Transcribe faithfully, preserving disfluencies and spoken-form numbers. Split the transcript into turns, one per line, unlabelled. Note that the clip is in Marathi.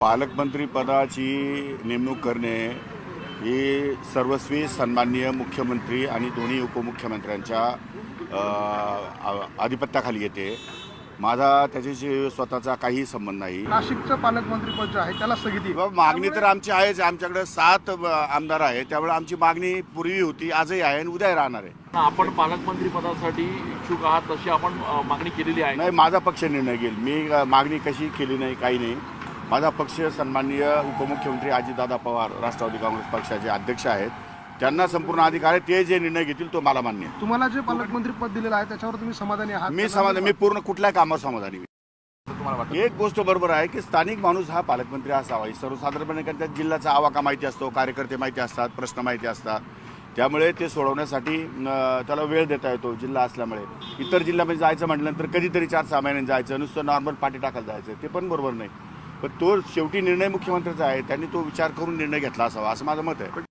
पालकमंत्री पदाची नेमणूक करणे ही सर्वस्वी सन्माननीय मुख्यमंत्री आणि दोन्ही उपमुख्यमंत्र्यांच्या आधिपत्याखाली येते। माझा त्याच्याशी स्वतःचा काही संबंध नाही।
नाशिकचं पालकमंत्रीपद जे आहे त्याला स्थगिती
मागणी तर आमची आहेच। आमच्याकडे सात आमदार आहेत, त्यामुळे आमची मागणी पूर्वी होती, आजही आहे आणि उद्या राहणार आहे।
आपण पालकमंत्री पदासाठी इच्छुक आहात तशी आपण मागणी केलेली आहे?
नाही, माझा पक्ष निर्णय घेईल। मी मागणी कशी केली नाही, काही नाही। माझा पक्ष सन्माननीय उपमुख्यमंत्री अजितदादा पवार राष्ट्रवादी काँग्रेस पक्षाचे अध्यक्ष आहेत, त्यांना संपूर्ण अधिकार आहे। ते जे निर्णय घेतील तो मला मान्य आहे।
तुम्हाला जे पालकमंत्री पद दिलेलं आहे त्याच्यावर तुम्ही समाधानी आहात?
मी समाधान मी पूर्ण कुठल्या कामावर समाधानी आहे।
तुम्हाला वाटतं?
एक गोष्ट बरोबर आहे की स्थानिक माणूस हा पालकमंत्री असावा। सर्वसाधारणपणे त्या जिल्ह्याचा आवाका माहिती असतो, कार्यकर्ते माहिती असतात, प्रश्न माहिती असतात, त्यामुळे ते सोडवण्यासाठी त्याला वेळ देता येतो जिल्हा असल्यामुळे। इतर जिल्ह्यामध्ये जायचं म्हटल्यानंतर कधीतरी चार सहा महिन्यांनी जायचं, नुसतं नॉर्मल पाठी टाकायला जायचं, ते पण बरोबर नाही। पण तो शेवटी निर्णय मुख्यमंत्र्याचा आहे, त्यांनी तो विचार करून निर्णय घेतला असावा असं माझं मत आहे।